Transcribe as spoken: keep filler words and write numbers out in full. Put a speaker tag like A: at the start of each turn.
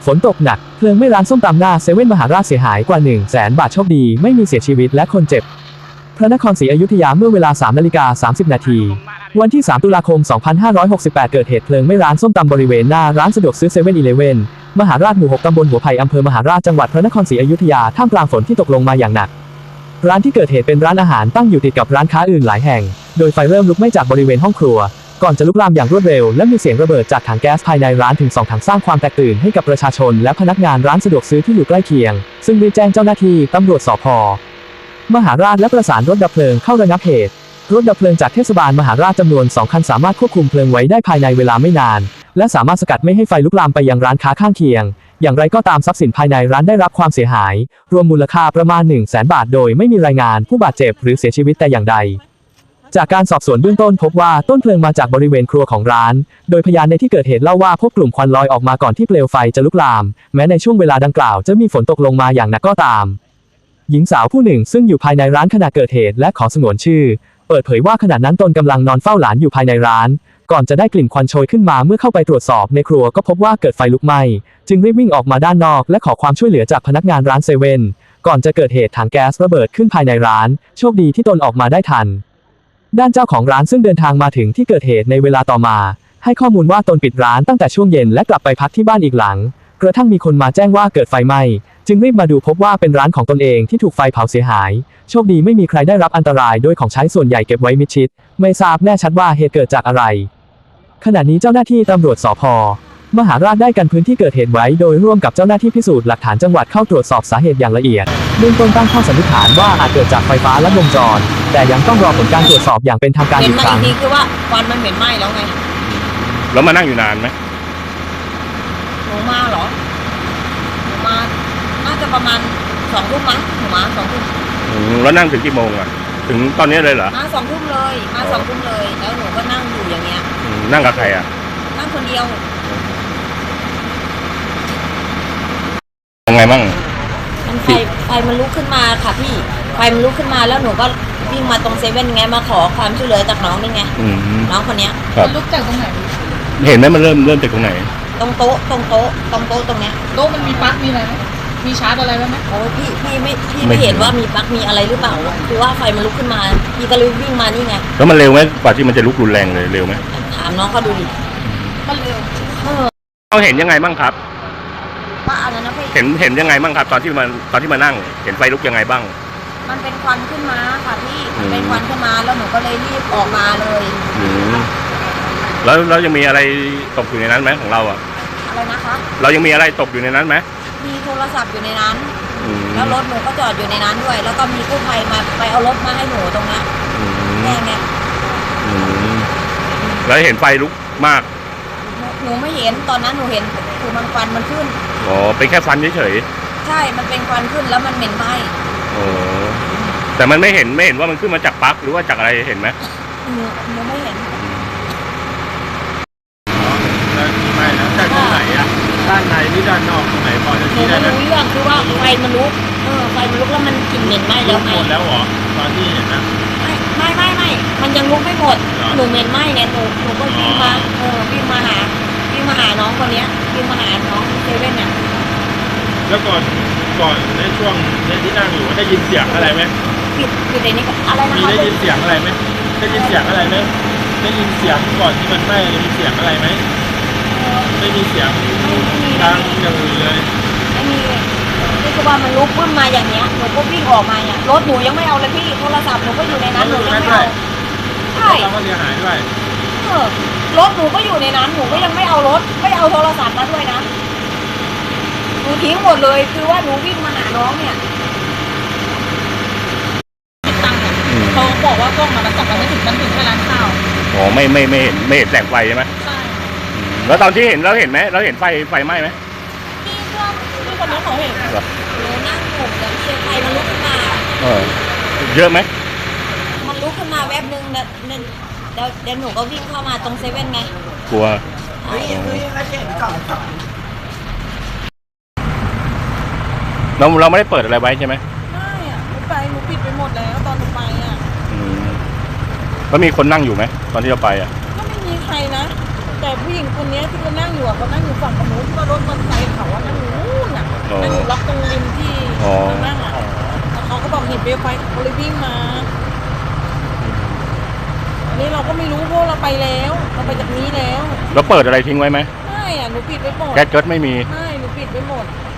A: ฝนตกหนักเพลิงไหม้ร้านส้มตำหน้าเซเว่นมหาราชเสียหายกว่า หนึ่งแสน บาทโชคดีไม่มีเสียชีวิตและคนเจ็บพระนครศรีอยุธยาเมื่อเวลา สามนาฬิกาสามสิบนาทีวันที่ สามตุลาคม สองพันห้าร้อยหกสิบแปด เกิดเหตุเพลิงไหม้ร้านส้มตำบริเวณหน้าร้านสะดวกซื้อเซเว่นอีเลฟเว่นมหาราชหมู่หกตำบลหัวไผ่อำเภอมหาราชจังหวัดพระนครศรีอยุธยาท่ามกลางฝนที่ตกลงมาอย่างหนักร้านที่เกิดเหตุเป็นร้านอาหารตั้งอยู่ติดกับร้านค้าอื่นหลายแห่งโดยไฟเริ่มลุกไหม้จากบริเวณห้องครัวก่อนจะลุกลามอย่างรวดเร็วและมีเสียงระเบิดจากถังแก๊สภายในร้านถึงสองถังสร้างความแตกตื่นให้กับประชาชนและพนักงานร้านสะดวกซื้อที่อยู่ใกล้เคียงซึ่งรีบแจ้งเจ้าหน้าที่ตำรวจสภ.มหาราชและประสานรถดับเพลิงเข้าระงับเหตุรถดับเพลิงจากเทศบาลมหาราชจำนวนสองคันสามารถควบคุมเพลิงไว้ได้ภายในเวลาไม่นานและสามารถสกัดไม่ให้ไฟลุกลามไปยังร้านค้าข้างเคียงอย่างไรก็ตามทรัพย์สินภายในร้านได้รับความเสียหายรวมมูลค่าประมาณ หนึ่งแสน บาทโดยไม่มีรายงานผู้บาดเจ็บหรือเสียชีวิตแต่อย่างใดจากการสอบสวนเบื้องต้นพบว่าต้นเพลิงมาจากบริเวณครัวของร้านโดยพยานในที่เกิดเหตุเล่าว่าพบกลุ่มควันลอยออกมาก่อนที่เปลวไฟจะลุกลามแม้ในช่วงเวลาดังกล่าวจะมีฝนตกลงมาอย่างหนักก็ตามหญิงสาวผู้หนึ่งซึ่งอยู่ภายในร้านขณะเกิดเหตุและขอสงวนชื่อเปิดเผยว่าขณะนั้นตนกำลังนอนเฝ้าหลานอยู่ภายในร้านก่อนจะได้กลิ่นควันโชยขึ้นมาเมื่อเข้าไปตรวจสอบในครัวก็พบว่าเกิดไฟลุกไหม้จึงรีบวิ่งออกมาด้านนอกและขอความช่วยเหลือจากพนักงานร้านเซเว่นก่อนจะเกิดเหตุถังแก๊สระเบิดขึ้นภายในร้านโชคดีที่ตนออกมาได้ทันด้านเจ้าของร้านซึ่งเดินทางมาถึงที่เกิดเหตุในเวลาต่อมาให้ข้อมูลว่าตนปิดร้านตั้งแต่ช่วงเย็นและกลับไปพักที่บ้านอีกหลังกระทั่งมีคนมาแจ้งว่าเกิดไฟไหม้จึงรีบมาดูพบว่าเป็นร้านของตนเองที่ถูกไฟเผาเสียหายโชคดีไม่มีใครได้รับอันตรายโดยของใช้ส่วนใหญ่เก็บไว้มิดชิดไม่ทราบแน่ชัดว่าเหตุเกิดจากอะไรขณะนี้เจ้าหน้าที่ตำรวจสภ.มหาราชได้กันพื้นที่เกิดเหตุไว้โดยร่วมกับเจ้าหน้าที่พิสูจน์หลักฐานจังหวัดเข้าตรวจสอบสาเหตุอย่างละเอียดเบื้องต้นตั้งข้อสันนิษฐานว่าอาจเกิดจากไฟฟ้าลัดวงจรแต่ยังต้องรอผลการตรวจสอบอย่างเป็นทางการอีกครั้ง
B: เห็นมาอีกทีคือว่าควันมันเหม็นไหม้แล้วไง
C: แล้วมานั่งอยู่นานไหม
B: หนูมาเหรอหนูมาน่าจะประมาณสองทุ่มมั้งหนูมาสองทุ่ม
C: แล้วนั่งถึงกี่โมงอ่ะถึงตอนนี้เลยเหรอ
B: มาสองทุ่มเลยมาสองทุ่มเลยแล้วหนูก็นั่งอยู่อย่างเงี้ย
C: นั่งกับใครอ่ะ
B: นั่งคนเดียว
C: ยังไงบ้าง
B: มันไฟไฟมันลุกขึ้นมาค่ะพี่ไฟมันลุกขึ้นมาแล้วหนูก็วิ่งมาตรงเซเว่นไงมาขอความช่วยเหลือจากน้องนี่ไงน้องคนเนี้ย
D: ลุกจากตรงไหน
C: เห็นไหมมันเริ่มเริ่มจากตรงไหน
B: ตรงโต๊ะตรงโต๊ะตรงโต๊ะตรงเนี้ย
D: โต๊ะมันมีปลั๊กมีอะไรไหมมีชาร์จอะไรไหม
B: โอ้พี่พี่ไม่พี่ไม่เห็นว่ามีปลั๊กมีอะไรหรือเปล่าคือว่าไฟมันลุกขึ้นมาพี่ก็เลยวิ่งมานี่ไง
C: แล้วมันเร็วไหมกว่าที่มันจะลุกรุนแรงเลยเร็วไหม
B: ถามน้องเขาดูดิ
D: มันเร็ว
C: เราเห็นยังไงบ้างครับ
B: ว่าอะไรนะพี่
C: เห็นเห็นยังไงบ้างครับตอนที่มันตอนที่มานั่งเห็นไฟลุกยังไงบ้าง
B: มันเป็นควันขึ้นมาค่ะพี่มันเป็นควันขึ้นมาแล้วหนูก็เลยรีบออกมาเลย
C: แล้วแล้วยังมีอะไรตกอยู่ในนั้นไหมของเราอ่ะ
B: อะไรนะคะ
C: เรายังมีอะไรตกอยู่ในนั้นไหม
B: มีโทรศัพท์อยู่ในนั้นแล้วรถหนูก็จอดอยู่ในนั้นด้วยแล้วก็มีกู้ภัยมาไปเอารถมาให้หนูตรงนี้แน่ไง
C: แล้วเห็นไฟลุกมาก
B: หนูไม่เห็นตอนนั้นหนูเห็นคือมันควันมันขึ้น
C: อ๋อเป็นแค่ควันเฉย
B: ๆใช่มันเป็นควันขึ้นแล้วมันเหม็นไหม้
C: อ๋อแต่มันไม่เห็นไม่เห็นว่ามันขึ้นมาจากปลั๊กหรือว่าจากอะไรเห็นไหม
B: หนูหนูไม่เห็น
C: แล้วมีไหมแล้วจากตรงไหนอะด้านในหรือด้านนอกตรงไหนพอจะชี้ได้ไหม
B: หนูรู้เรื่องคือว่าไฟมันลุกเออไฟมันลุกแล้วมันกลิ่นเหม็นไหม้แล้วไง
C: หมดแล้วเหรอตอนที่เห็นนะ
B: ไม่ไม่ไม่ไม่มันยังลุกไม่หมดหนูเหม็นไหม้เนี่ยหนูหนูก็วิ่งมาเออวิ่งมาหาวิ่งมาหาน้องคนนี้วิ่งมาหาน้องเซเว่นเนี่ย
C: แล้วก่อนก่อนในช่วงในที่นั่งอยู่ได้ยินเสียงอะไรไหม
B: ปิดปิดในนี้อะไรนะคะ
C: ได้ยินเสียงอะไรไหมได้ยินเสียงอะไรไหมได้ยินเสียงก่อนที่มันไหม้มีเสียงอะไรไหมไม่มีเสียงดังอย่างอื่นเลย
B: ไม่มีนี่คือว่ามันลุกขึ้นมาอย่างเนี้ยหนูก็วิ่งออกมาเนี่ยรถหนูยังไม่เอาเลยพี่โทรศัพท์หนูก็อยู่ในนั้นหนูยังไม่เอาใช่
C: เราก็เสียหายด้วย
B: เออรถหนูก็อยู่ในนั้นหนูก็ยังไม่เอารถไม่เอาโทรศัพท์มาด้วยนะหนูทิ้งหมดเลยคือว่าหนูวิ่งมาหาน้องเนี่ย
D: ตั้งเขาบอกว่ากล้องมันจับมันไม่ถึงมันถึงแค่ร้านข้าว
C: อ๋อไม่ไม่ไม่เห็นไม่เห็นแสงไฟใช่ไหม
D: ใช่
C: แล้วตอนที่เห็นเราเห็นไหมเราเห็นไฟไฟไหม้ไหม
D: พี่เพื่อนพี่คนนี้เขาเห็น
B: หนูนั่งอยู่แล้วเชียร์ไฟมันลุกขึ้นมา
C: เออเยอะไหม
B: มันลุกขึ้นมาแวบนึงเนี่ยเดี๋ยวเดี๋ยวหนูก็วิ่งเข้ามาตรงเซเว่นไง
C: กลัวเราเราไม่ได้เปิดอะไรไว้ใช่ไหม
D: ไม่อ่ะหนูไปหนูปิดไปหมดแล้วตอนหนูไปอ่ะ
C: แล้วมีคนนั่งอยู่ไหมตอนที่เราไปอ่ะ
D: ก็ไม่มีใครนะแต่ผู้หญิงคนนี้ที่เขานั่งอยู่อ่ะเขานั่งอยู่ฝั่งขนมที่ว่ารถมอเตอร์ไซค์เขาอ่ะนั่งเปลวไฟเขาเลยวิ่งมาอันนี้เราก็ไม่รู้เพราะเราไปแล้วเราไปจากนี้แล้ว
E: แล้วเปิดอะไรทิ้งไว้ไหม
D: ไม่อ่ะหนูปิดไว้หมด
E: แก๊สเกิดไม่มี
D: ไม่หนูปิดไว้หมด